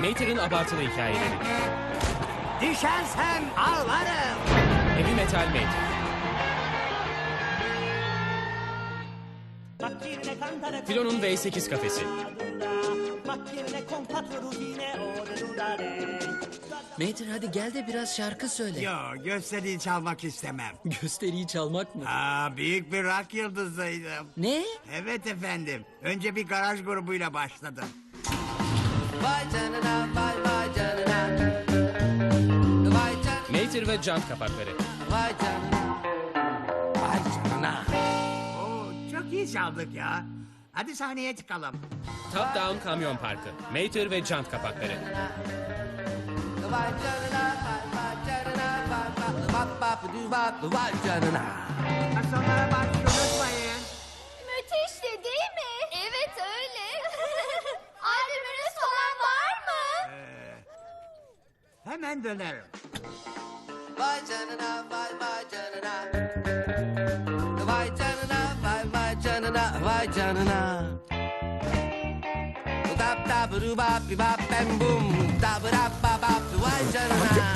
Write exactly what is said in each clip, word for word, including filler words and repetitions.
Mater'ın abartılı hikayeleri. Düşersem ağlarım. Heavy Metal Mater. Filo'nun V sekiz kafesi. Mater hadi gel de biraz şarkı söyle. Yo, gösteriyi çalmak istemem. Gösteriyi çalmak mı? Aa, büyük bir rock yıldızıydım. Ne? Evet efendim. Önce bir garaj grubuyla başladım. Vay canına vay vay canına. Vay canına Mater ve jant kapakları. vay canına. Vay canına. Oo, çok iyi çaldık ya. Hadi sahneye çıkalım. Top Down Kamyon Parkı. Mater ve jant kapakları. Vay canına vay vay canına vay vay vay vay vay vay canına. Akşamlara baş unutmayın. Müthişti değil mi? Evet öyle. Albümünüz falan var mı? Ee, hemen dönerim. Vay canına vay vay canına. Vay canına vay vay canına vay canına. Dap dap ru bap bi bap bam bum dap dap bap bap vay canına.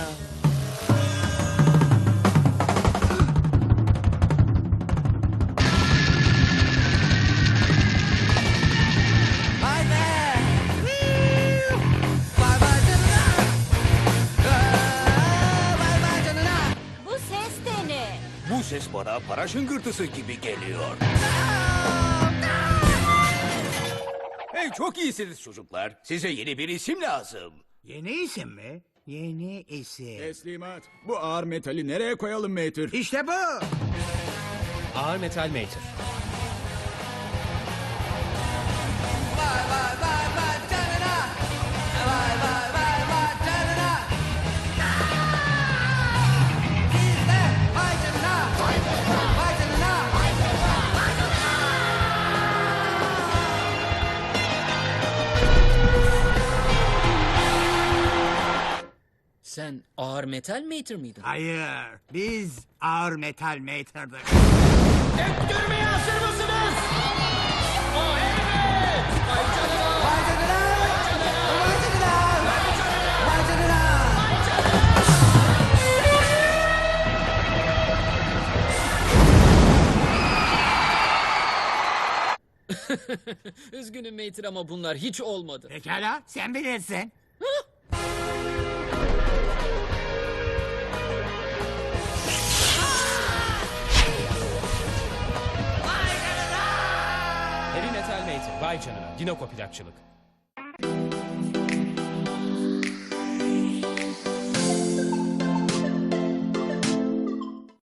Vay be. Vay vay canına. Aa, Vay vay canına. Bu ses de ne? Bu ses bana para şıngırtısı gibi geliyor. Hey, çok iyisiniz çocuklar. Size yeni bir isim lazım. Yeni isim mi? Yeni isim. Teslimat. Bu ağır metali nereye koyalım Mater? İşte bu. Ağır Metal Mater. Vay vay vay vay canına. Vay vay vay vay canına. Siz de vay canına. Vay canına. Sen ağır metal Mater miydin? Hayır. Biz ağır metal Mater'dık. Vay canına. Vay canına. Vay canına. Üzgünüm Mater ama bunlar hiç olmadı. Pekala, sen bilirsin. Heavy Metal Mater. Vay canına. Dinoko plakçılık.